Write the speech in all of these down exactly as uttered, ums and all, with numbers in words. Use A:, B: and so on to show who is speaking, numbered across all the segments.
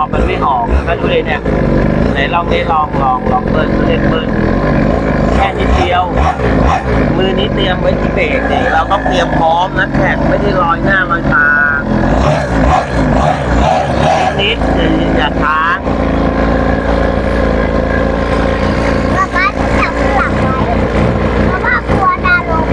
A: อกมันไม่ออกก็ดูเลยเนี่ยไหนลองนี้ลองลองลองเบิ้ลเล่นเบิ้ลแค่นิดเดียวมือนี้เตรียมไว้ที่เบรกนี่เราต้องเตรียมพร้อมนะแข่งไม่ได้ลอยหน้าลอยตานิดอย่าค้าง
B: ป๊าป๊าจะจับหลังไว้เพราะว่ากลัวดาลง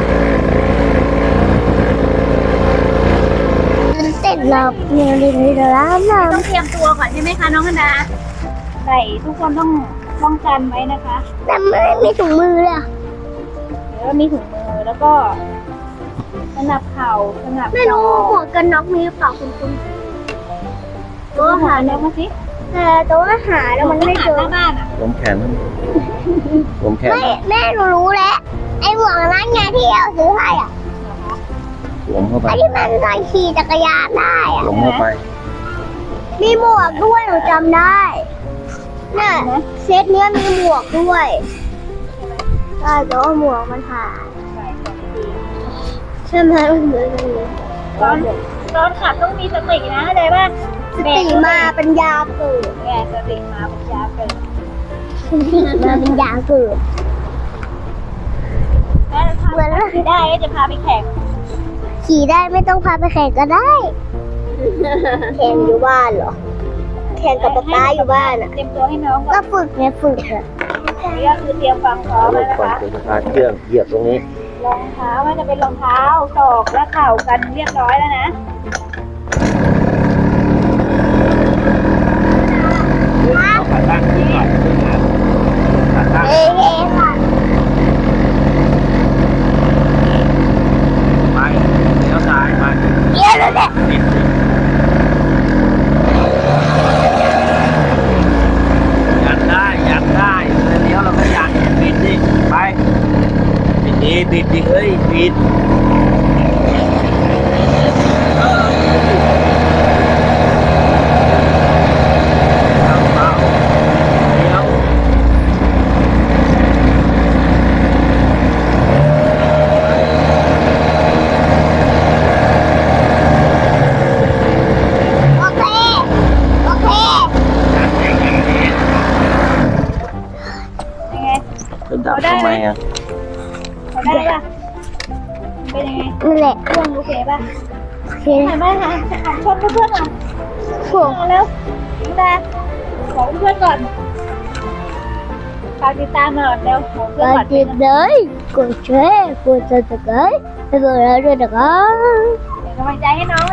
B: เสร็จแล้วเดี๋ยวเดี๋ยวเดี๋ยวแล้วนะ
C: ต้องเตรียมตัวก่อนใช่ไหมคะน้องกันดาใส่ทุกคนต้องป้องกันไว้นะคะ
B: แต่ไม่มีถุงมือเลย
C: เดี๋ยวมีถุงมือแล้วก็สนับเข่าสนับ
B: ไม่รู้หมวกกันน็อกมีหรือเปล่าคุณคุณ
C: ตัวหาเนื้อมาสิ
B: แต่ตัวหาแล้วมันไม่เจอ
C: หน้าบ้านอ่ะ
A: ผมแขนผมแขน
B: ไม่แม่หนูรู้แล้วไอ้หมวกนั้นไงที่เราซื้อให้อ่ะ
A: สวมเข้าไป
B: ไอ้ที่มันใส่ขี่จักรยานได้อ่ะ
A: สวมเข้าไป
B: มีหมวกด้วยหนูจำได้น่ะเซตเนี้ยมีหมวกด้วยใช่แต่ว่าหมวกมันหายใช่ไหมมันเหมือนกันเลย
C: ตอนตอนขับต้องมีสตินะเข้าใจป่ะ
B: สติมาเป็นยาเกิด
C: แกสติมาปัญญาเกิด
B: สติมาเป็นยาเกิด
C: ถ้าทำไม่ได้ก็จะพาไปแข่ง
B: ขี่ได้ไม่ต้องพาไปแข่งก็ได้ แข่งอยู่บ้านเหรอ แข่งกับป๊าป๊าอยู่บ้านอ่ะ
C: เตรียมตัวให้น้องก่
B: ก็
C: อน
B: ฝึกไงฝึกอ่ะ
C: นี่ก็คือเตรียมฟังพร้อม
A: ร
C: แล้ว
A: ถ
C: นะ
A: ก่อน
C: คะ
A: จะพาเครื่องเหยียบตรงนี้
C: รองเท้ามันจะเป็นรองเท้าศอกและเข่ากันเรียบร้อยแล้วนะ
A: เอาขาตั้งขึ้นหน่อยขาตั้ง
B: เอ๊ะค่ะ
A: ไปเลี้ยวซ้ายไป
B: เดี๋ยวแล้วเนี่ย
A: ติดยันได้ยันได้เลี้ยวเราก็ยันบิดดิไปบิดดีบิดดิเฮ้ยบิดเอาเอาเลี้ยว
B: โอเค โอเค
C: ยังไง
A: จะดับทำไมอ่ะ
C: เขาได้ป่ะเป็นยังไง
B: นั่นแหละ
C: เครื่องโอเคป่ะ
B: โอเค
C: เห็นไหมคะหันชนเพื่อนๆหน่อย
B: โอ้
C: มาแล้วน้องดาบอกเพื่อนก่อนฝากติดตามหน่อยเร็วบอกเพื่อน
B: ก็
C: ก่อน
B: ติดเลยกดแชร์กดซับสไครต์ให้พวกเราด้วยนะครับ
C: เป็นกำลังใจให้น้อง